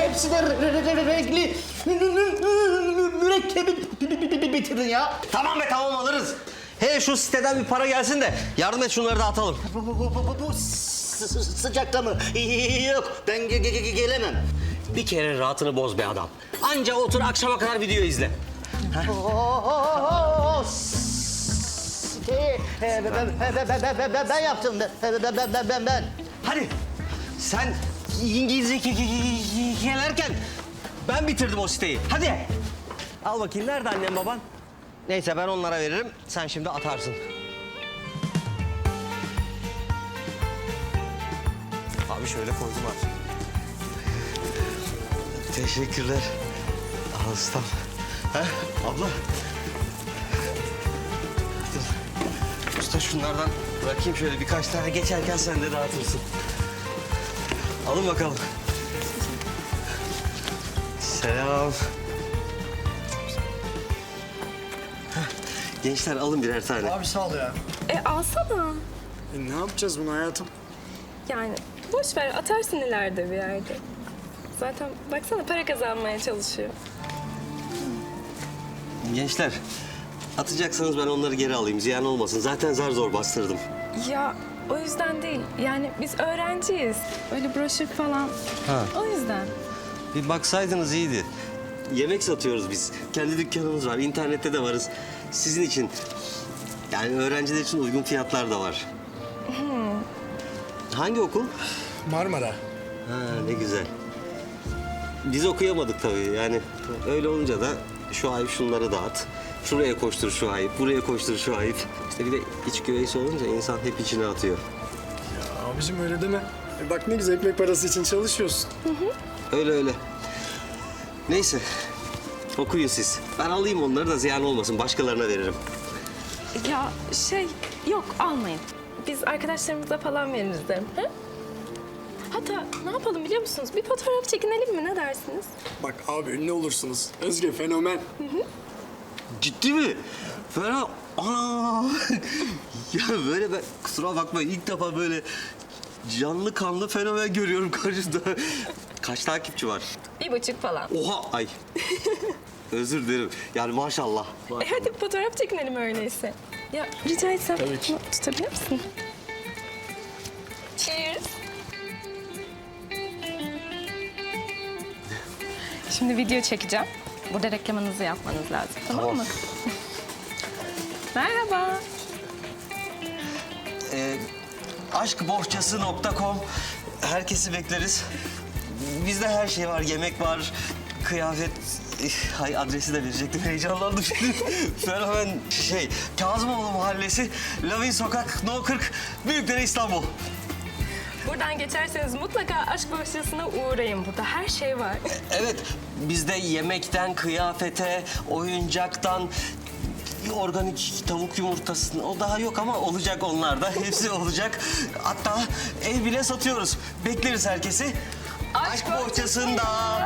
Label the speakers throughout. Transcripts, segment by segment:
Speaker 1: hepsi de renkli mürekkebi bitirdin ya.
Speaker 2: Tamam be tamam alırız. He şu siteden bir para gelsin de yardım et şunları da atalım.
Speaker 1: Bu sıcakta mı? Yok, ben gelemem.
Speaker 2: Bir kere rahatını boz be adam. Anca otur akşama kadar video izle.
Speaker 1: Ben yaptım. Ben.
Speaker 2: Hadi sen İngilizce gelerken ben bitirdim o siteyi. Hadi. Al bakayım nerede annem baban? Neyse ben onlara veririm. Sen şimdi atarsın. Abi şöyle koydum artık. Teşekkürler. Al ustam. Ha, abla. Dur. Usta şunlardan bırakayım şöyle birkaç tane geçerken sen de dağıtırsın. Alın bakalım. Selam. Gençler alın birer tane.
Speaker 3: Abi sağ ol ya.
Speaker 4: Alsana.
Speaker 3: Ne yapacağız bunu hayatım?
Speaker 4: Yani boş ver, atarsın ileride bir yerde. Zaten baksana para kazanmaya çalışıyor.
Speaker 2: Gençler atacaksanız ben onları geri alayım. Ziyan olmasın. Zaten zar zor bastırdım.
Speaker 4: Ya o yüzden değil. Yani biz öğrenciyiz. Öyle broşür falan.
Speaker 2: Ha.
Speaker 4: O yüzden.
Speaker 2: Bir baksaydınız iyiydi. Yemek satıyoruz biz. Kendi dükkanımız var. İnternette de varız. Sizin için yani öğrenciler için uygun fiyatlar da var. Hangi okul?
Speaker 3: Marmara.
Speaker 2: Ha ne güzel. Biz okuyamadık tabii. Yani öyle olunca da şu ayıp şunları dağıt. Şuraya koştur şu ayıp, buraya koştur şu ayıp. İşte bir de iç güveysi olunca insan hep içine atıyor.
Speaker 3: Ya abicim öyle deme. Bak ne güzel ekmek parası için çalışıyorsun.
Speaker 2: Öyle öyle. Neyse. Okuyun siz. Ben alayım onları da ziyan olmasın. Başkalarına veririm.
Speaker 4: Ya yok almayın. Biz arkadaşlarımıza falan veririz derim. He? Hatta ne yapalım biliyor musunuz? Bir fotoğraf çekinelim mi? Ne dersiniz?
Speaker 3: Bak abi ünlü olursunuz. Özge fenomen.
Speaker 2: Ciddi mi? Fena. Ana! Ya böyle ben kusura bakma ilk defa böyle canlı kanlı fenomen görüyorum karşımda. Kaç takipçi var?
Speaker 4: 1,5 falan.
Speaker 2: Oha! Ay. Özür dilerim. Yani maşallah.
Speaker 4: Hadi bir fotoğraf çekinelim öyleyse. Ya rica etsem
Speaker 3: Tabii ki.
Speaker 4: tutabilir misin? Cheers. Şimdi video çekeceğim. Burada reklamınızı yapmanız lazım. Tamam mı? Merhaba.
Speaker 2: Aşkbohçası.com herkesi bekleriz. Bizde her şey var. Yemek var, kıyafet. Hay adresi de verecektim. Heyecanlandım şimdi. Fenomen Kazımoğlu Mahallesi, Lavin Sokak, No 40, Büyükdere İstanbul.
Speaker 4: Buradan geçerseniz mutlaka aşk bohçasına uğrayın. Burada her şey var.
Speaker 2: Evet, bizde yemekten, kıyafete, oyuncaktan, organik tavuk yumurtasını o daha yok ama olacak onlar da. Hepsi olacak. Hatta ev bile satıyoruz. Bekleriz herkesi. Aşk bohçasında.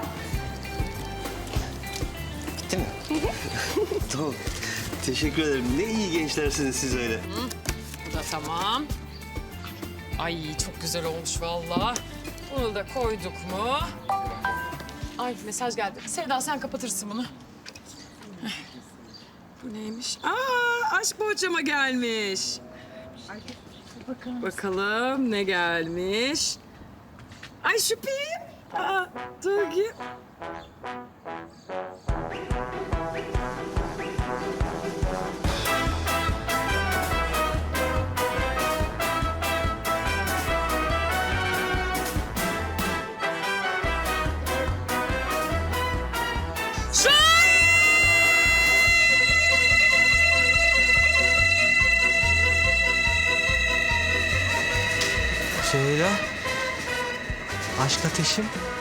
Speaker 2: Bitti mi? Tamam. Teşekkür ederim. Ne iyi gençlersiniz siz öyle.
Speaker 5: Bu da tamam. Ay çok güzel olmuş vallahi. Bunu da koyduk mu? Ay mesaj geldi. Sevda sen kapatırsın bunu. Heh. Bu neymiş? Aşk bohçama gelmiş. Bakalım ne gelmiş. Ay şüpheyim. Dur ki.
Speaker 2: Süheyla, aşk ateşim.